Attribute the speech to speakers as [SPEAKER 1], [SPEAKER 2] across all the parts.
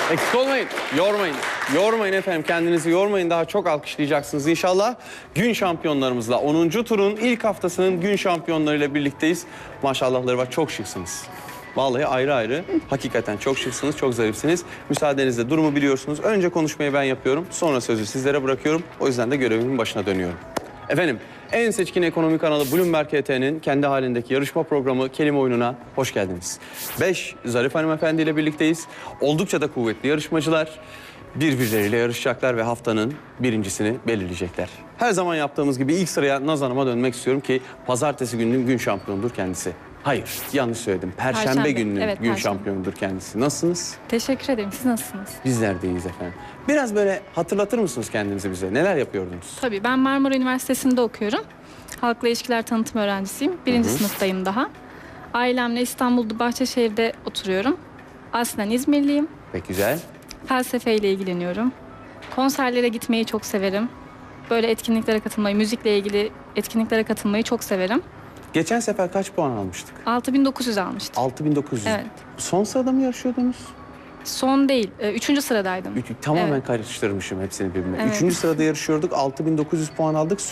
[SPEAKER 1] Eksik olmayın, yormayın. Yormayın efendim, kendinizi yormayın. Daha çok alkışlayacaksınız inşallah. Gün şampiyonlarımızla 10. turun ilk haftasının gün şampiyonlarıyla birlikteyiz. Maşallahları var, çok şıksınız. Vallahi ayrı ayrı, hakikaten çok şıksınız, çok zarifsiniz. Müsaadenizle durumu biliyorsunuz. Önce konuşmayı ben yapıyorum, sonra sözü sizlere bırakıyorum. O yüzden de görevimin başına dönüyorum. Efendim, en seçkin ekonomi kanalı Bloomberg HT'nin kendi halindeki yarışma programı Kelime Oyunu'na hoş geldiniz. 5 zarif hanımefendi ile birlikteyiz. Oldukça da kuvvetli yarışmacılar. Birbirleriyle yarışacaklar ve haftanın birincisini belirleyecekler. Her zaman yaptığımız gibi ilk sıraya Naz Hanım'a dönmek istiyorum ki pazartesi gününün gün şampiyonudur kendisi. Hayır, yanlış söyledim. Perşembe gününün
[SPEAKER 2] evet,
[SPEAKER 1] gün
[SPEAKER 2] Perşembe.
[SPEAKER 1] şampiyonudur kendisi. Nasılsınız?
[SPEAKER 2] Teşekkür ederim. Siz nasılsınız?
[SPEAKER 1] Bizler de iyiyiz efendim. Biraz böyle hatırlatır mısınız kendinizi bize? Neler yapıyordunuz?
[SPEAKER 2] Tabii ben Marmara Üniversitesi'nde okuyorum. Halkla İlişkiler Tanıtım öğrencisiyim. Birinci sınıftayım daha. Ailemle İstanbul'da Bahçeşehir'de oturuyorum. Aslen İzmirliyim.
[SPEAKER 1] Pek güzel.
[SPEAKER 2] Felsefeyle ilgileniyorum. Konserlere gitmeyi çok severim. Böyle etkinliklere katılmayı, müzikle ilgili etkinliklere katılmayı çok severim.
[SPEAKER 1] Geçen sefer kaç puan almıştık?
[SPEAKER 2] 6900 almıştım.
[SPEAKER 1] 6900.
[SPEAKER 2] Evet.
[SPEAKER 1] Son sırada mı yarışıyordunuz?
[SPEAKER 2] Son değil, 3. sıradaydım.
[SPEAKER 1] Tamamen
[SPEAKER 2] Evet.
[SPEAKER 1] karıştırmışım hepsini birbirine.
[SPEAKER 2] Evet.
[SPEAKER 1] 3. sırada yarışıyorduk. 6900 puan aldık.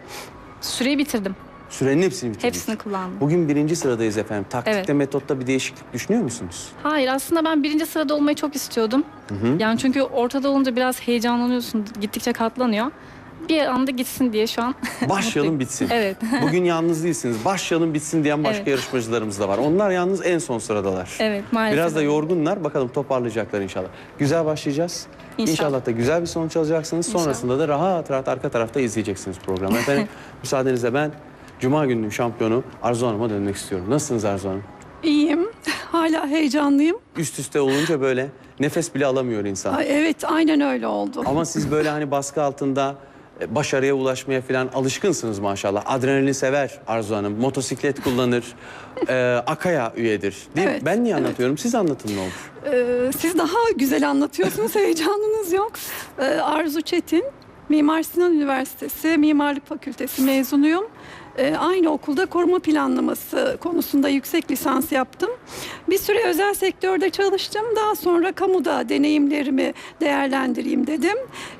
[SPEAKER 2] Süreyi bitirdim.
[SPEAKER 1] Sürenin hepsini bitirdik.
[SPEAKER 2] Hepsini kullandım.
[SPEAKER 1] Bugün 1. sıradayız efendim. Taktikte,
[SPEAKER 2] Evet.
[SPEAKER 1] metotta bir değişiklik düşünüyor musunuz?
[SPEAKER 2] Hayır, aslında ben 1. sırada olmayı çok istiyordum. Yani çünkü ortada olunca biraz heyecanlanıyorsun, gittikçe katlanıyor. Bir anda gitsin diye şu an
[SPEAKER 1] Başlayalım bitsin.
[SPEAKER 2] Evet.
[SPEAKER 1] Bugün yalnız değilsiniz. Başlayalım bitsin diyen başka
[SPEAKER 2] Evet.
[SPEAKER 1] yarışmacılarımız da var. Onlar yalnız en son sıradalar.
[SPEAKER 2] Evet, maalesef.
[SPEAKER 1] Biraz da yorgunlar. Bakalım toparlayacaklar inşallah. Güzel başlayacağız.
[SPEAKER 2] İnşallah.
[SPEAKER 1] Da güzel bir sonuç alacaksınız.
[SPEAKER 2] İnşallah.
[SPEAKER 1] Sonrasında da rahat rahat arka tarafta izleyeceksiniz programı. Efendim müsaadenizle ben Cuma gününün şampiyonu Arzu Hanım'a dönmek istiyorum. Nasılsınız Arzu Hanım?
[SPEAKER 3] İyiyim. Hala heyecanlıyım.
[SPEAKER 1] Üst üste olunca böyle nefes bile alamıyor insan.
[SPEAKER 3] Ay, evet, aynen öyle oldu.
[SPEAKER 1] Ama siz böyle hani baskı altında başarıya ulaşmaya falan alışkınsınız maşallah. Adrenalin sever Arzu Hanım. Motosiklet kullanır. Akaya üyedir. Değil mi?
[SPEAKER 3] Evet,
[SPEAKER 1] Ben niye
[SPEAKER 3] evet.
[SPEAKER 1] anlatıyorum? Siz anlatın ne olur.
[SPEAKER 3] Siz daha güzel anlatıyorsunuz. Heyecanınız yok. Arzu Çetin, Mimar Sinan Üniversitesi Mimarlık Fakültesi mezunuyum. Aynı okulda koruma planlaması konusunda yüksek lisans yaptım. Bir süre özel sektörde çalıştım. Daha sonra kamuda deneyimlerimi değerlendireyim dedim.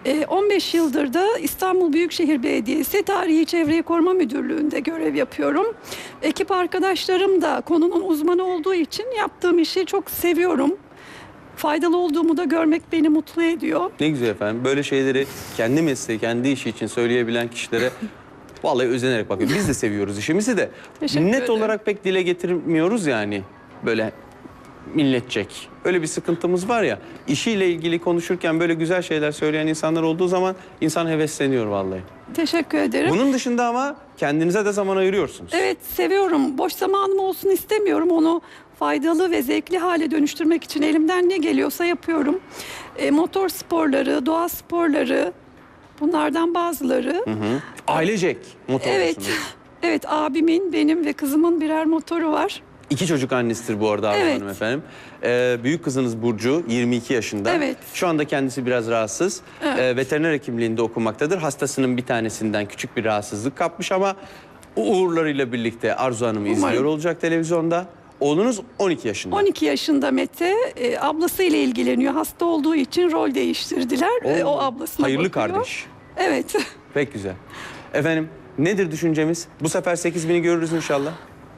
[SPEAKER 3] 15 yıldır da İstanbul Büyükşehir Belediyesi Tarihi Çevreyi Koruma Müdürlüğü'nde görev yapıyorum. Ekip arkadaşlarım da konunun uzmanı olduğu için yaptığım işi çok seviyorum. Faydalı olduğumu da görmek beni mutlu ediyor.
[SPEAKER 1] Ne güzel efendim. Böyle şeyleri kendi mesleği, kendi işi için söyleyebilen kişilere vallahi özenerek bakıyorum. Biz de seviyoruz işimizi de.
[SPEAKER 3] Teşekkür
[SPEAKER 1] Net
[SPEAKER 3] ederim.
[SPEAKER 1] olarak pek dile getirmiyoruz yani. Böyle milletçek. Öyle bir sıkıntımız var ya. İşiyle ilgili konuşurken böyle güzel şeyler söyleyen insanlar olduğu zaman insan hevesleniyor vallahi.
[SPEAKER 3] Teşekkür ederim.
[SPEAKER 1] Bunun dışında ama kendinize de zaman ayırıyorsunuz.
[SPEAKER 3] Evet, seviyorum. Boş zamanım olsun istemiyorum. Onu faydalı ve zevkli hale dönüştürmek için elimden ne geliyorsa yapıyorum. Motor sporları, doğa sporları, bunlardan bazıları.
[SPEAKER 1] Ailecek motorlusunuz.
[SPEAKER 3] Evet, evet, abimin, benim ve kızımın birer motoru var.
[SPEAKER 1] 2 çocuk annesidir bu arada Arzu
[SPEAKER 3] Evet.
[SPEAKER 1] Hanım efendim. Büyük kızınız Burcu 22 yaşında.
[SPEAKER 3] Evet.
[SPEAKER 1] Şu anda kendisi biraz rahatsız. Veteriner hekimliğinde okumaktadır. Hastasının bir tanesinden küçük bir rahatsızlık kapmış ama o uğurlarıyla birlikte Arzu Hanım'ı izliyor olacak televizyonda. Oğlunuz 12 yaşında.
[SPEAKER 3] 12 yaşında Mete, ablasıyla ilgileniyor. Hasta olduğu için rol değiştirdiler. O ablasına
[SPEAKER 1] Hayırlı
[SPEAKER 3] bakıyor.
[SPEAKER 1] kardeş.
[SPEAKER 3] Evet.
[SPEAKER 1] Pek güzel. Efendim nedir düşüncemiz? Bu sefer 8000'i görürüz inşallah.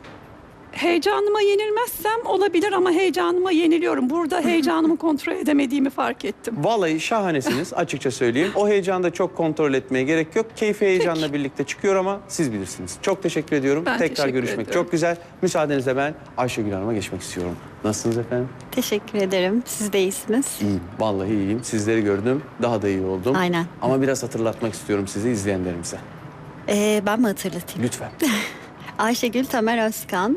[SPEAKER 3] Heyecanıma yenilmezsem olabilir ama heyecanıma yeniliyorum. Burada heyecanımı kontrol edemediğimi fark ettim.
[SPEAKER 1] Vallahi şahanesiniz açıkça söyleyeyim. O heyecanı da çok kontrol etmeye gerek yok. Keyfi heyecanla birlikte çıkıyor ama siz bilirsiniz. Çok teşekkür ediyorum.
[SPEAKER 3] Ben
[SPEAKER 1] Tekrar
[SPEAKER 3] teşekkür
[SPEAKER 1] görüşmek
[SPEAKER 3] ediyorum.
[SPEAKER 1] çok güzel. Müsaadenizle ben Ayşegül Hanım'a geçmek istiyorum. Nasılsınız efendim?
[SPEAKER 4] Teşekkür ederim. Siz de iyisiniz.
[SPEAKER 1] İyiyim. Vallahi iyiyim. Sizleri gördüm. Daha da iyi oldum.
[SPEAKER 4] Aynen.
[SPEAKER 1] Ama biraz hatırlatmak istiyorum sizi izleyenlerimize.
[SPEAKER 4] Ben mi hatırlatayım?
[SPEAKER 1] Lütfen.
[SPEAKER 4] Ayşegül Tamer Özkan.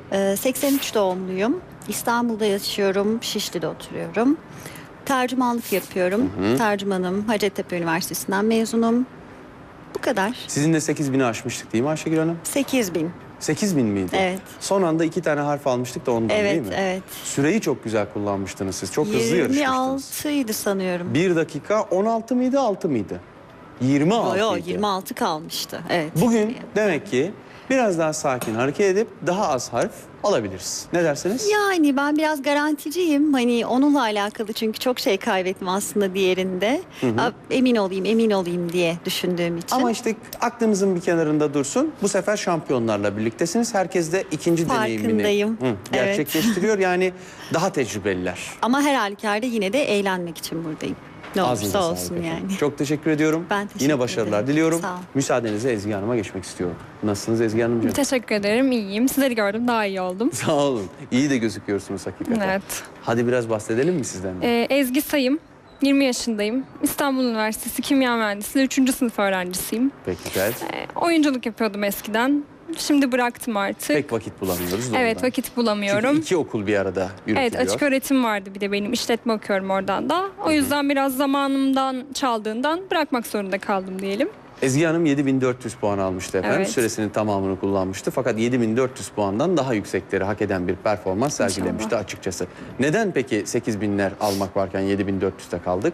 [SPEAKER 4] 83 doğumluyum. İstanbul'da yaşıyorum. Şişli'de oturuyorum. Tercümanlık yapıyorum. Tercümanım. Hacettepe Üniversitesi'nden mezunum. Bu kadar.
[SPEAKER 1] Sizin de 8000'i aşmıştık değil mi Ayşegül Hanım?
[SPEAKER 4] 8000.
[SPEAKER 1] 8000 miydi?
[SPEAKER 4] Evet.
[SPEAKER 1] Son anda 2 tane harf almıştık da ondan değil
[SPEAKER 4] Evet,
[SPEAKER 1] mi?
[SPEAKER 4] evet.
[SPEAKER 1] Süreyi çok güzel kullanmıştınız siz. Çok hızlı yarışmıştınız.
[SPEAKER 4] 26'ydı sanıyorum.
[SPEAKER 1] 1 dakika 16 mıydı 6 mıydı? 26
[SPEAKER 4] Yo,
[SPEAKER 1] idi.
[SPEAKER 4] 26 kalmıştı. Evet.
[SPEAKER 1] Bugün demek ki biraz daha sakin hareket edip daha az harf alabiliriz. Ne dersiniz?
[SPEAKER 4] Yani ben biraz garanticiyim. Hani onunla alakalı çünkü çok şey kaybettim aslında diğerinde. Emin olayım diye düşündüğüm için.
[SPEAKER 1] Ama işte aklınızın bir kenarında dursun. Bu sefer şampiyonlarla birliktesiniz. Herkes de ikinci deneyimini
[SPEAKER 4] Farkındayım. Evet.
[SPEAKER 1] gerçekleştiriyor. Yani daha tecrübeliler.
[SPEAKER 4] Ama her halükarda yine de eğlenmek için buradayım. Ne
[SPEAKER 1] Ağzınıza
[SPEAKER 4] olursa
[SPEAKER 1] sağlık
[SPEAKER 4] olsun
[SPEAKER 1] efendim.
[SPEAKER 4] yani.
[SPEAKER 1] Çok teşekkür ediyorum.
[SPEAKER 4] Ben teşekkür
[SPEAKER 1] Yine başarılar
[SPEAKER 4] ederim.
[SPEAKER 1] diliyorum.
[SPEAKER 4] Sağ ol.
[SPEAKER 1] Müsaadenizle Ezgi Hanım'a geçmek istiyorum. Nasılsınız Ezgi Hanımcığım?
[SPEAKER 2] Teşekkür ederim. İyiyim. Sizleri gördüm. Daha iyi oldum.
[SPEAKER 1] Sağ olun. İyi de gözüküyorsunuz hakikaten.
[SPEAKER 2] Evet.
[SPEAKER 1] Hadi biraz bahsedelim mi sizden de?
[SPEAKER 2] Ezgi Sayım. 20 yaşındayım. İstanbul Üniversitesi Kimya Mühendisliği 3. sınıf öğrencisiyim.
[SPEAKER 1] Pek güzel.
[SPEAKER 2] Oyunculuk yapıyordum eskiden. Şimdi bıraktım artık.
[SPEAKER 1] Pek vakit bulamıyoruz da
[SPEAKER 2] Evet,
[SPEAKER 1] ondan.
[SPEAKER 2] vakit bulamıyorum.
[SPEAKER 1] Çünkü iki okul bir arada yürütülüyor.
[SPEAKER 2] Evet, açık öğretim vardı bir de benim. İşletme okuyorum oradan da. O yüzden biraz zamanımdan çaldığından bırakmak zorunda kaldım diyelim.
[SPEAKER 1] Ezgi Hanım 7400 puan almıştı efendim.
[SPEAKER 2] Evet.
[SPEAKER 1] Süresinin tamamını kullanmıştı. Fakat 7400 puandan daha yüksekleri hak eden bir performans sergilemişti açıkçası. Neden peki 8000'ler almak varken 7400'te kaldık?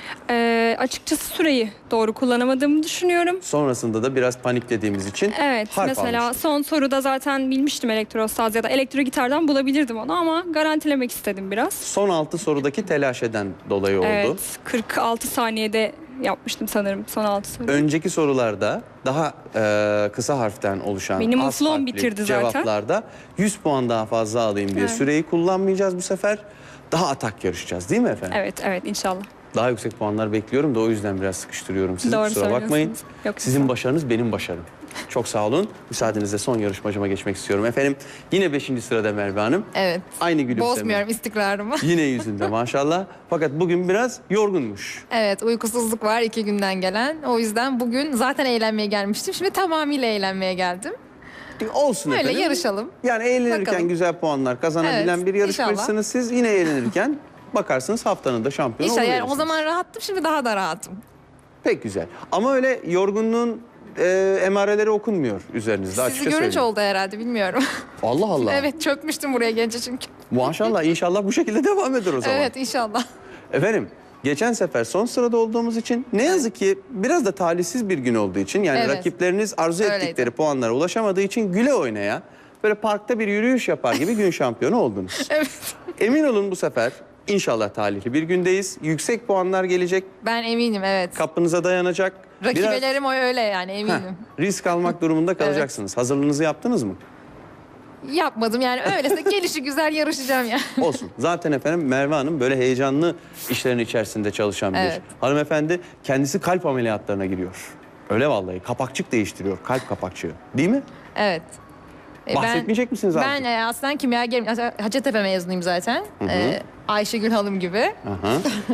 [SPEAKER 2] Açıkçası süreyi doğru kullanamadığımı düşünüyorum.
[SPEAKER 1] Sonrasında da biraz paniklediğimiz için
[SPEAKER 2] Evet,
[SPEAKER 1] harf
[SPEAKER 2] mesela
[SPEAKER 1] almıştık.
[SPEAKER 2] son soruda zaten bilmiştim elektrosaz ya da elektro gitardan bulabilirdim onu ama garantilemek istedim biraz.
[SPEAKER 1] Son 6 sorudaki telaşeden dolayı oldu.
[SPEAKER 2] Evet, 46 saniyede yapmıştım sanırım son 6 soru.
[SPEAKER 1] Önceki sorularda daha kısa harften oluşan
[SPEAKER 2] Benim
[SPEAKER 1] az
[SPEAKER 2] uflom
[SPEAKER 1] harfli
[SPEAKER 2] bitirdi zaten.
[SPEAKER 1] cevaplarda 100 puan daha fazla alayım diye
[SPEAKER 2] Evet.
[SPEAKER 1] süreyi kullanmayacağız bu sefer. Daha atak yarışacağız değil mi efendim?
[SPEAKER 2] Evet inşallah.
[SPEAKER 1] Daha yüksek puanlar bekliyorum da o yüzden biraz sıkıştırıyorum sizi.
[SPEAKER 2] Doğru
[SPEAKER 1] Kusura bakmayın.
[SPEAKER 2] söylüyorsunuz. Yok,
[SPEAKER 1] Sizin
[SPEAKER 2] sağ-
[SPEAKER 1] başarınız benim başarım. Çok sağ olun. Müsaadenizle son yarışmacıma geçmek istiyorum. Efendim yine 5. sırada Merve Hanım.
[SPEAKER 5] Evet.
[SPEAKER 1] Aynı gülümseme.
[SPEAKER 5] Bozmuyorum istikrarımı.
[SPEAKER 1] Yine yüzünde maşallah. Fakat bugün biraz yorgunmuş.
[SPEAKER 5] Evet, uykusuzluk var 2 günden gelen. O yüzden bugün zaten eğlenmeye gelmiştim. Şimdi tamamıyla eğlenmeye geldim.
[SPEAKER 1] Olsun
[SPEAKER 5] Öyle
[SPEAKER 1] efendim.
[SPEAKER 5] yarışalım.
[SPEAKER 1] Yani eğlenirken
[SPEAKER 5] Bakalım.
[SPEAKER 1] güzel puanlar kazanabilen
[SPEAKER 5] Evet,
[SPEAKER 1] bir yarışmacısınız siz. Yine eğlenirken bakarsınız haftanın da şampiyonu
[SPEAKER 5] İnşallah yani o
[SPEAKER 1] oluverirsiniz.
[SPEAKER 5] zaman rahattım, şimdi daha da rahatım.
[SPEAKER 1] Pek güzel. Ama öyle yorgunluğun emareleri okunmuyor üzerinizde.
[SPEAKER 5] Sizi
[SPEAKER 1] açıkça
[SPEAKER 5] görünce
[SPEAKER 1] söyleyeyim.
[SPEAKER 5] oldu herhalde, bilmiyorum.
[SPEAKER 1] Allah Allah.
[SPEAKER 5] Evet, çökmüştüm buraya gelince çünkü.
[SPEAKER 1] Maşallah inşallah bu şekilde devam eder o zaman.
[SPEAKER 5] Evet, inşallah.
[SPEAKER 1] Efendim geçen sefer son sırada olduğumuz için ne yazık ki biraz da talihsiz bir gün olduğu için yani
[SPEAKER 5] Evet.
[SPEAKER 1] rakipleriniz arzu
[SPEAKER 5] Öyleydi.
[SPEAKER 1] ettikleri puanlara ulaşamadığı için güle oynaya böyle parkta bir yürüyüş yapar gibi gün şampiyonu oldunuz.
[SPEAKER 5] Evet.
[SPEAKER 1] Emin olun bu sefer inşallah talihli bir gündeyiz. Yüksek puanlar gelecek,
[SPEAKER 5] Ben eminim, evet.
[SPEAKER 1] kapınıza dayanacak.
[SPEAKER 5] Rakibelerim o öyle yani,
[SPEAKER 1] Heh,
[SPEAKER 5] eminim.
[SPEAKER 1] risk almak durumunda kalacaksınız. Hazırlığınızı yaptınız mı?
[SPEAKER 5] Yapmadım yani, öylese gelişi güzel yarışacağım ya.
[SPEAKER 1] Olsun. Zaten efendim Merve Hanım böyle heyecanlı işlerin içerisinde çalışan bir
[SPEAKER 5] Evet.
[SPEAKER 1] hanımefendi. Kendisi kalp ameliyatlarına giriyor. Öyle vallahi. Kapakçık değiştiriyor. Kalp kapakçığı. Değil mi?
[SPEAKER 5] Evet.
[SPEAKER 1] Bahsetmeyecek misiniz
[SPEAKER 5] Ben
[SPEAKER 1] abi?
[SPEAKER 5] aslında kimyagerim. Hacettepe mezunuyum zaten. Ayşegül Hanım gibi.
[SPEAKER 1] Aha.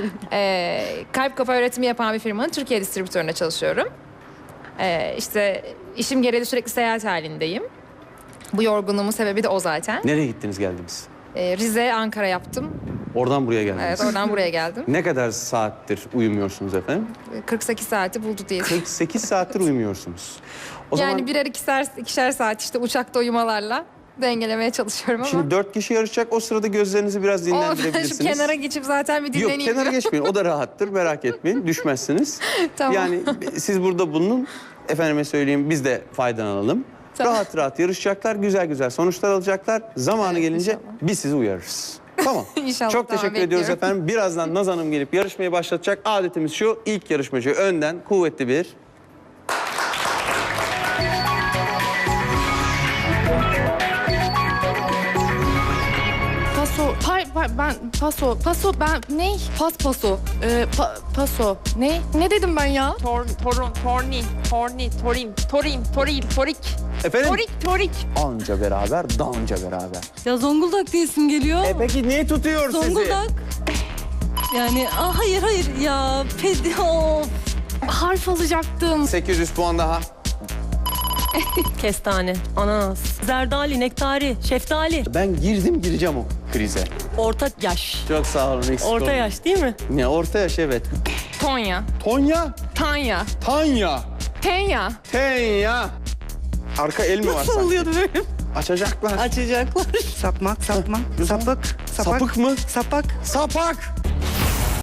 [SPEAKER 5] Kalp kafa üretimi yapan bir firmanın Türkiye distribütöründe çalışıyorum. İşte işim gereği sürekli seyahat halindeyim. Bu yorgunluğumun sebebi de o zaten.
[SPEAKER 1] Nereye gittiniz geldiniz?
[SPEAKER 5] Rize, Ankara yaptım.
[SPEAKER 1] Oradan buraya geldiniz.
[SPEAKER 5] Evet, oradan buraya geldim.
[SPEAKER 1] Ne kadar saattir uyumuyorsunuz efendim?
[SPEAKER 5] 48 saati buldu diye.
[SPEAKER 1] 48 saattir uyumuyorsunuz. O
[SPEAKER 5] Yani
[SPEAKER 1] zaman
[SPEAKER 5] birer ikişer saat işte uçakta uyumalarla dengelemeye çalışıyorum ama.
[SPEAKER 1] şimdi 4 kişi yarışacak. O sırada gözlerinizi biraz
[SPEAKER 5] Şu
[SPEAKER 1] dinlendirebilirsiniz.
[SPEAKER 5] kenara geçip zaten bir
[SPEAKER 1] Yok
[SPEAKER 5] dinleneyim.
[SPEAKER 1] kenara geçmeyin. O da rahattır. Merak etmeyin. Düşmezsiniz.
[SPEAKER 5] Tamam.
[SPEAKER 1] Yani siz burada bulunun. Efendime söyleyeyim biz de faydalanalım.
[SPEAKER 5] Tamam.
[SPEAKER 1] Rahat rahat yarışacaklar. Güzel güzel sonuçlar alacaklar. Zamanı
[SPEAKER 5] Evet,
[SPEAKER 1] gelince
[SPEAKER 5] inşallah.
[SPEAKER 1] biz sizi uyarırız. Tamam.
[SPEAKER 5] İnşallah,
[SPEAKER 1] Çok
[SPEAKER 5] tamam,
[SPEAKER 1] teşekkür ediyoruz
[SPEAKER 5] bekliyorum.
[SPEAKER 1] efendim. Birazdan Naz Hanım gelip yarışmayı başlatacak. Adetimiz şu. İlk yarışmacı önden kuvvetli bir
[SPEAKER 6] Paso ben ne? Paso. Paso. Ne dedim ben ya?
[SPEAKER 7] Torik.
[SPEAKER 1] efendim
[SPEAKER 7] Torik.
[SPEAKER 1] anca beraber danca beraber.
[SPEAKER 8] Ya Zonguldak diyesim geliyor.
[SPEAKER 1] Peki niye tutuyor sizi?
[SPEAKER 8] Zonguldak. Yani hayır ya. Of.
[SPEAKER 6] Harf alacaktım.
[SPEAKER 1] 800 puan daha.
[SPEAKER 8] Kestane, ananas, zerdali, nektari, şeftali.
[SPEAKER 1] Ben gireceğim o krize.
[SPEAKER 8] Orta yaş.
[SPEAKER 1] Çok sağ olun. eksik
[SPEAKER 8] Orta
[SPEAKER 1] olmayın.
[SPEAKER 8] yaş değil mi?
[SPEAKER 1] Ne orta yaş evet.
[SPEAKER 6] Tonya.
[SPEAKER 1] Tonya,
[SPEAKER 6] Tanya.
[SPEAKER 1] Tanya,
[SPEAKER 6] Tenya.
[SPEAKER 1] Tenya. Arka el mi var
[SPEAKER 8] Nasıl
[SPEAKER 1] sanki?
[SPEAKER 8] oluyordu böyle?
[SPEAKER 1] Açacaklar.
[SPEAKER 8] Açacaklar.
[SPEAKER 9] Sapmak, sapık,
[SPEAKER 1] Sapık mı?
[SPEAKER 9] sapak.
[SPEAKER 1] Sapak.